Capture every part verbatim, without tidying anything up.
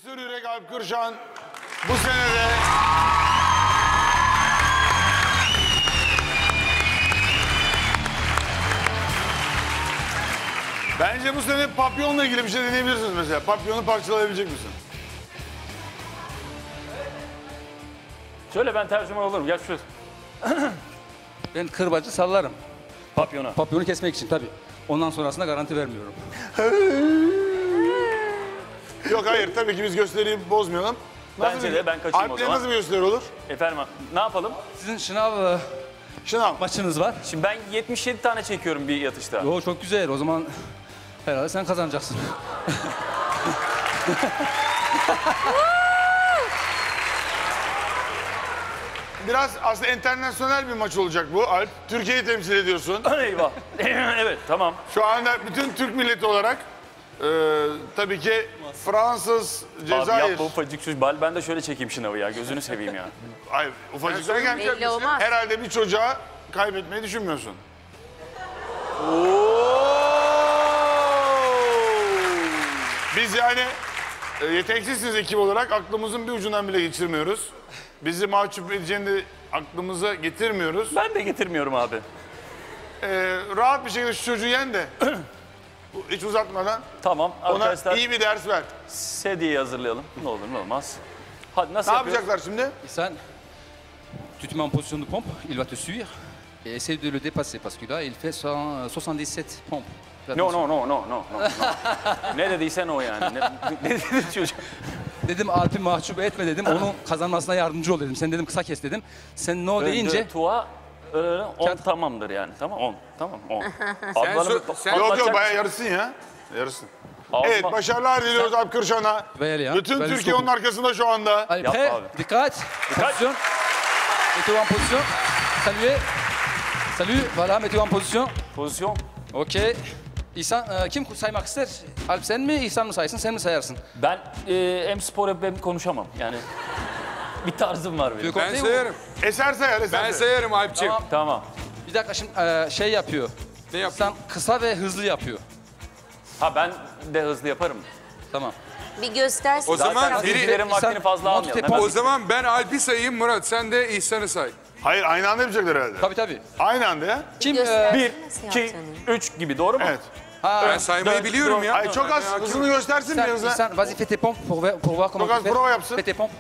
Cesur Yürek Alp Kırşan bu senede bence bu sene papyonla ilgili bir şey deneyebilirsiniz mesela. Papyonu parçalayabilecek misin? Şöyle ben tercüman olurum. Gel şuraya. Ben kırbacı sallarım. Papyona. Papyonu kesmek için tabii. Ondan sonrasında garanti vermiyorum. Yok hayır tabii ki biz gösteriyi bozmayalım. Nasıl Bence bir- de ben kaçayım o Alp'le zaman. nasıl bir gösteri olur? Efendim ne yapalım? Sizin şınav e, Şınav. maçınız var. Şimdi ben yetmiş yedi tane çekiyorum bir yatışta. Yo çok güzel. O zaman herhalde sen kazanacaksın. Biraz aslında internasyonel bir maç olacak bu Alp. Türkiye'yi temsil ediyorsun. Eyvah. Evet tamam. Şu anda bütün Türk milleti olarak e, tabii ki Fransız, Abi Cezayir. yapma ufacık şu bal. Ben de şöyle çekeyim şınavı ya. Gözünü seveyim ya. Hayır ufacık derken Belli olmaz. herhalde bir çocuğa kaybetmeyi düşünmüyorsun. Biz yani e, yeteneksizsiniz ekip olarak aklımızın bir ucundan bile geçirmiyoruz. Bizi mahcup edeceğini de aklımıza getirmiyoruz. Ben de getirmiyorum abi. E, rahat bir şekilde şu çocuğu yen de hiç uzatmadan Tamam ona arkadaşlar iyi bir ders ver. sedyeyi hazırlayalım. Ne olur ne olmaz. Hadi nasıl Ne yapıyoruz? yapacaklar şimdi? İhsan, tu te mets en position de pompe, il va te suivre et essaye de le dépasser parce que là il fait cent soixante-dix-sept pompes. Fais No attention. no no no no. no, no. Ne dediysen o yani. Ne, ne dedi çocuk? Dedim Alp'i mahcup etme dedim. Onun kazanmasına yardımcı ol dedim. Sen dedim kısa kes dedim. Sen no deyince Tua on Kağıt- tamamdır yani. Tamam on. Tamam on. Sen so- sen- Yok yok Bakacak bayağı mısın? yarısın ya. Yarısın. Ağzıma- Evet başarılar diliyoruz Alp Kırşan'a. Vaya ya, Bütün ben Türkiye çok- onun arkasında şu anda. allez Yapma prêt, abi. dikkat, position, mettez-vous en position, saluez, salut, voilà mettez-vous en position, Pozisyon. okey. İhsan, e, kim saymak ister? Alp sen mi, İhsan mı saysın, sen mi sayarsın? Ben e, hem spor yapıp hem konuşamam. Yani bir tarzım var benim. Ben sayarım. Eser sayar eser Ben sayar. sayarım Alp'ciğim. Tamam. Tamam. Bir dakika şimdi e, şey yapıyor. Ne yapayım? İhsan kısa ve hızlı yapıyor. Ha ben de hızlı yaparım. Tamam. Bir göstersin. O zaman Zaten biri- izleyicilerin vaktini İnsan- fazla Monty almayalım. Python- Hemen O zaman ben Alp'i sayayım Murat. Sen de İhsan'ı say. Hayır aynı anda yapacaklar herhalde. Tabii tabii. Aynı anda ya. Kim? Göster. e, bir, Nasıl iki, yaptığını. üç gibi doğru mu? Evet. ha, Ben saymayı dört, biliyorum dört. ya. Ay çok az hızını göstersin İhsan, biraz da. İhsan, vas-y fais tes pompes pour, ver- pour voir comment Çok tu az fais. prova yapsın. Fais tes pompes.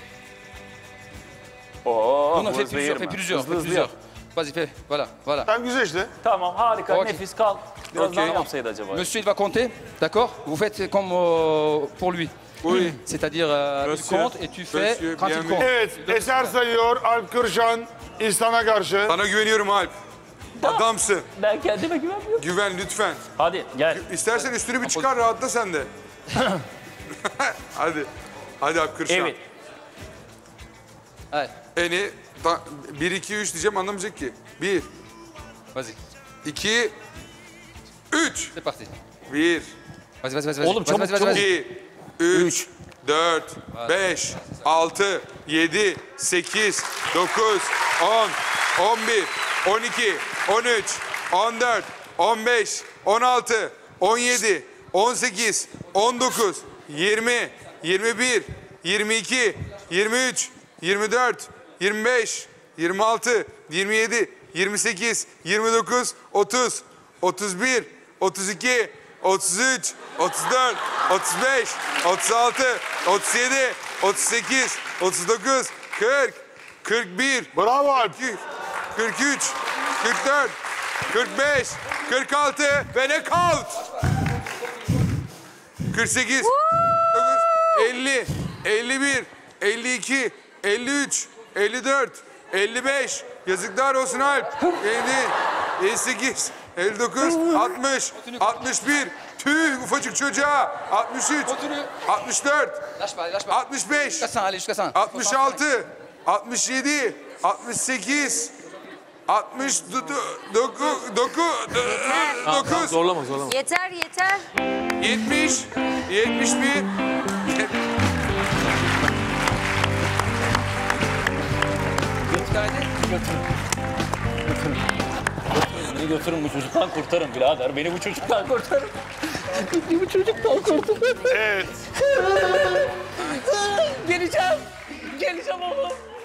Oo, Non, non, bu fais hızlı plusieurs, yerim fais ben. plusieurs, Hızlı fais hızlı plusieurs. yap. Vas-y fais, voilà, voilà. Tamam güzel işte. Tamam harika Okey. nefis kal. Biraz Okey. daha mı yapsaydı acaba? Monsieur, il va compter, d'accord? Vous faites comme euh, pour lui. Oui. C'est-à-dire, euh, il Monsieur, compte et tu fais monsieur, quand bien il vu. compte. Evet eser sayıyor Alp Kırşan İhsan'a karşı. Sana güveniyorum Alp. Adamsın. Ben kendime güvenmiyorum. Güven lütfen. Hadi gel. İstersen üstünü bir çıkar rahatla sen de. Hadi. Hadi Alp Kırşan. Evet. Allez, Eni bir, iki, üç diyeceğim anlamayacak ki. bir, vas-y, iki, üç. c'est parti. bir, Vas-y, vas-y, vas-y. Oğlum, vas-y, çabuk, vas-y, vas-y, çabuk. vas-y. iki, üç, dört, beş, altı, yedi, sekiz, dokuz, on, on bir, on iki, on üç, on dört, on beş, on altı, on yedi, on sekiz, on dokuz, yirmi, yirmi bir, yirmi iki, yirmi üç, yirmi dört, yirmi beş, yirmi altı, yirmi yedi, yirmi sekiz, yirmi dokuz, otuz, otuz bir, otuz iki, otuz üç, otuz dört, otuz beş, otuz altı, otuz yedi, otuz sekiz, otuz dokuz, kırk, kırk bir, Bravo Alp. kırk üç, kırk dört, kırk beş, kırk altı ve knockout. kırk sekiz, dokuz, elli, elli bir, elli iki, elli üç, elli dört, elli beş. Yazıklar olsun Alp. elli, elli sekiz, elli dokuz, altmış, altmış bir. Tüh ufacık çocuğa. altmış üç, altmış dört, Lâche pas, lâche pas. altmış beş, Jusqu'à cent, allez, jusqu'à cent. altmış altı, altmış yedi, altmış sekiz, altmış dokuz, Zorlama zorlama. Yeter yeter. yetmiş, yetmiş bir. Beni götürün bu çocuktan kurtarın birader. Beni bu çocuktan kurtarın. Beni bu çocuktan kurtarın. Evet. çekeceğim oğlum.